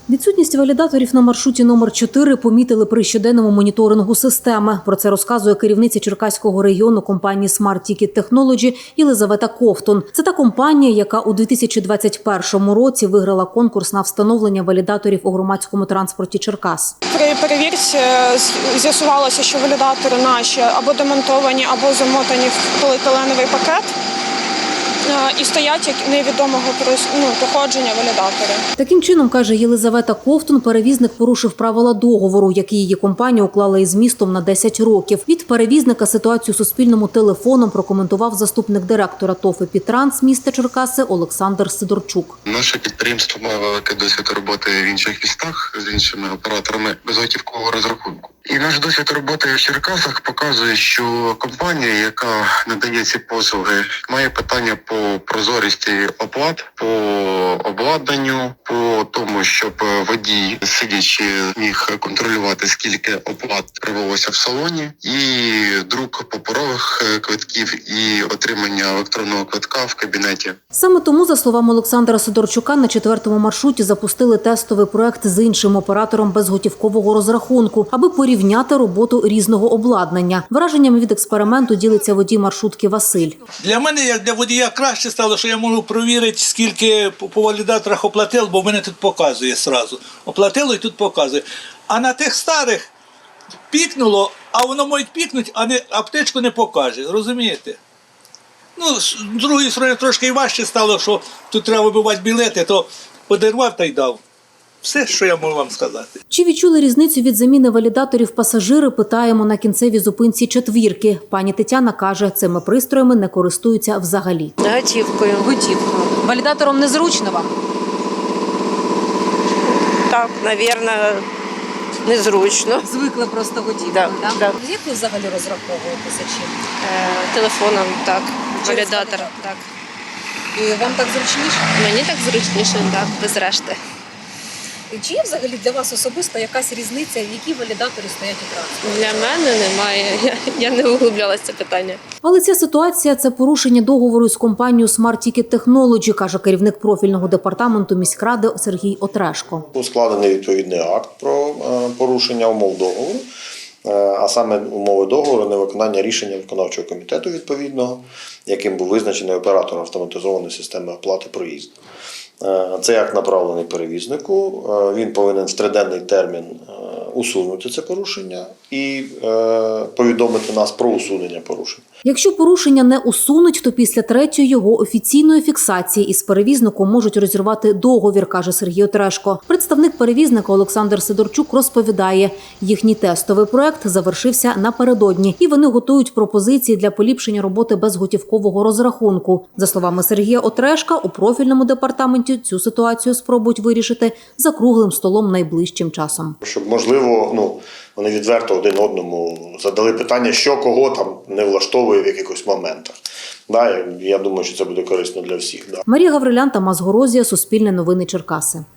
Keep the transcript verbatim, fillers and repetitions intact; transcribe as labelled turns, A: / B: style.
A: Відсутність валідаторів на маршруті номер чотири помітили при щоденному моніторингу системи. Про це розказує керівниця Черкаського регіону компанії Smart Ticket Technology Єлизавета Ковтун. Це та компанія, яка у дві тисячі двадцять першому році виграла конкурс на встановлення валідаторів у громадському транспорті Черкас.
B: При перевірці з'ясувалося, що валідатори наші або демонтовані, або замотані в поліетиленовий пакет і стоять як невідомого ну, походження валідатори.
A: Таким чином, каже Єлизавета Ковтун, перевізник порушив правила договору, який її компанія уклала із містом на десять років. Від перевізника ситуацію Суспільному телефоном прокоментував заступник директора ТОВ «Епітранс» міста Черкаси Олександр Сидорчук.
C: Наше підприємство має великий досвід роботи в інших містах з іншими операторами безготівкового розрахунку. І наш досвід роботи в Черкасах показує, що компанія, яка надає ці послуги, має питання по прозорості оплат, по обладнанню, по тому, щоб водій, сидячи, міг контролювати, скільки оплат провелося в салоні, і друк паперових квитків, і отримання електронного квитка в кабінеті.
A: Саме тому, за словами Олександра Сидорчука, на четвертому маршруті запустили тестовий проект з іншим оператором безготівкового розрахунку, аби порівняти роботу різного обладнання. Враженнями від експерименту ділиться водій маршрутки Василь.
D: Для мене, як для водія, краще стало, що я можу перевірити, скільки по валідаторах оплатив, бо в мене тут показує одразу. Оплатило і тут показує. А на тих старих пікнуло, а воно може пікнути, а не, аптечку не покаже. Розумієте? Ну, з другої сторони, трошки і важче стало, що тут треба вибивати білети, то подарував та й дав. Все, що я можу вам сказати.
A: Чи відчули різницю від заміни валідаторів пасажири, питаємо на кінцевій зупинці четвірки. Пані Тетяна каже, цими пристроями не користуються взагалі.
E: Готівкою.
A: Готівкою. Валідатором незручно вам?
E: Так, мабуть, незручно.
A: Звикли просто готівкою,
E: так?
A: Да,
E: да?
A: Як ви взагалі розраховуєтеся чим?
E: Е, телефоном, так. Валідатор, так.
A: І вам так зручніше?
E: Мені так зручніше, так, без решти.
A: Чи є взагалі для вас особисто якась різниця, які валідаторі стоять у транспорті?
E: Для мене немає, я, я не углублялася в це питання.
A: Але ця ситуація – це порушення договору з компанією Smart Ticket Technology, каже керівник профільного департаменту міськради Сергій Отрешко.
F: Складений відповідний акт про порушення умов договору, а саме умови договору невиконання рішення виконавчого комітету відповідного, яким був визначений оператор автоматизованої системи оплати проїзду. Цей акт направлений перевізнику, він повинен в триденний термін усунути це порушення і повідомити нас про усунення порушення.
A: Якщо порушення не усунуть, то після третьої його офіційної фіксації із перевізником можуть розірвати договір, каже Сергій Отрешко. Представник перевізника Олександр Сидорчук розповідає, їхній тестовий проект завершився напередодні, і вони готують пропозиції для поліпшення роботи безготівкового розрахунку. За словами Сергія Отрешка, у профільному департаменті цю ситуацію спробують вирішити за круглим столом найближчим часом.
F: Щоб, можливо, ну, вони відверто один одному задали питання, що кого там не влаштовує в якихось моментах. Да, я думаю, що це буде корисно для всіх. Да.
A: Марія Гаврилян, Тамас Горозія, Суспільне новини Черкаси.